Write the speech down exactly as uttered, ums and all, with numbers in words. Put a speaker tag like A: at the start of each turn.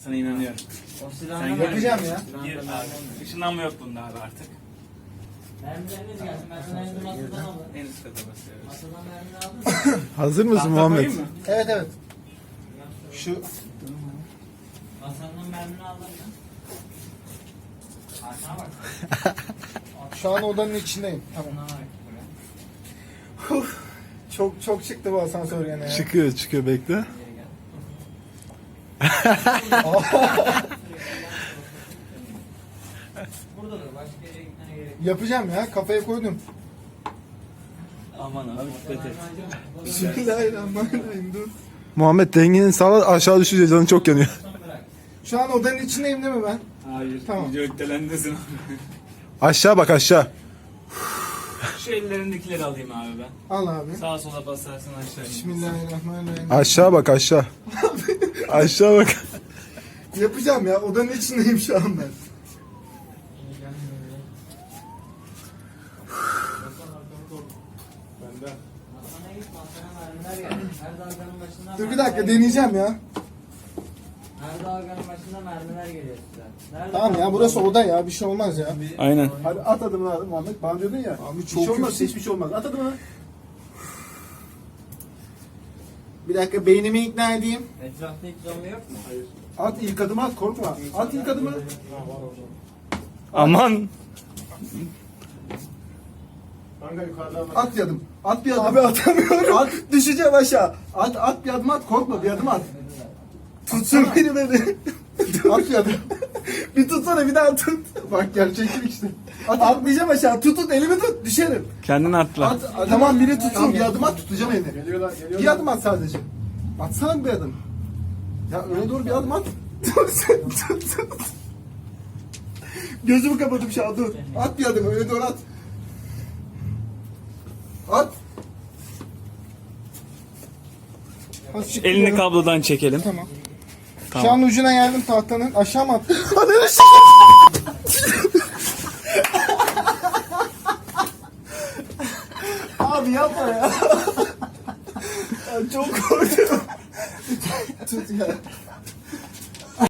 A: Sana inanıyorum.
B: O
A: Sen
B: silahını
C: yapacağım
A: gör.
C: ya.
A: Gir abi. Işınlanma yok bunda abi artık.
B: Mermileriniz gelsin. Ben sana elini masadan alırım.
A: En üst kata basıyoruz.
B: Masadan mermini aldın mı?
D: Hazır mısın
A: Tahta
D: Muhammed?
A: koyayım mı?
C: Evet evet. Şu
B: Masanın mermini aldın mı? Arkana bak.
C: şu an odanın içindeyim. Tamam.
B: Arkana bak.
C: Uf, çok çok çıktı bu asansör gene ya.
D: Çıkıyor çıkıyor bekle.
B: Geri gel. Burada dur. Başka yere gitmene gerek yok.
C: Yapacağım ya, kafaya koydum.
A: Aman abi dikkat et.
C: Bismillahirrahmanirrahim, dur.
D: Muhammed dengeni sağla, aşağı düşünce canın çok yanıyor.
B: Bırak.
C: Şu an odanın içindeyim değil mi ben?
A: Hayır.
C: Tamam.
A: Video iptalendesin.
D: Aşağı bak aşağı.
A: Şu ellerindekileri alayım abi ben.
C: Al abi.
A: Sağa sola basarsın aşağı.
C: Bismillahirrahmanirrahim.
D: Aşağı bak aşağı. Aşağı bak.
C: Yapacağım ya, odanın içindeyim şu an ben.
B: Masana git. Masana mermiler geldi. Her dalganın başında
C: Dur bir
B: mermiler
C: dakika,
B: geliyor.
C: deneyeceğim ya.
B: Her dalganın başında mermiler geliyor size. Nerede
C: Tamam ya,
B: kaldın?
C: burası oda ya, bir şey olmaz ya.
A: Aynen.
E: Hadi at adımını abi Muhammed. Bana diyordun ya.
C: Abi
E: Hiç
C: çok
E: olmaz,
C: yüksek.
E: hiçbir şey olmaz. At adımını.
C: Bir dakika, beynimi ikna edeyim.
B: Etrafta hiç zombi yok mu?
E: Hayır. At ilk adımı at, korkma. At ilk adımı.
D: Aman.
E: Kanka yukarıdan bak.
C: At yadım.
E: At bir adım.
C: Abi atamıyorum.
E: At, düşeceğim aşağı. At, at bir adım at, korkma, bir adım at.
C: Tutsun beni beni. At yadım. Bir tutsana, bir daha tut. Bak gerçeklik işte.
E: At, atlayacağım aşağı. Tut tut, elimi tut, düşerim.
A: Kendini atla.
E: At, at
C: Tamam, biri tutsun.
E: Tamam, bir adım at, tutacağım elini. Geliyorlar, geliyorlar. Bir adım at sadece. Atsana bir adım. Ya öne doğru bir adım at. Gözümü kapatıp şu an dur. At bir adım, öne doğru at. At.
C: Azıcık
A: Elini
C: ileri.
A: kablodan çekelim.
C: Tamam.
A: Tamam.
C: Şu an ucuna geldim tahtanın. Aşağı mı attın?
E: Abi yapma ya.
C: Çok korkuyorum. Tut ya.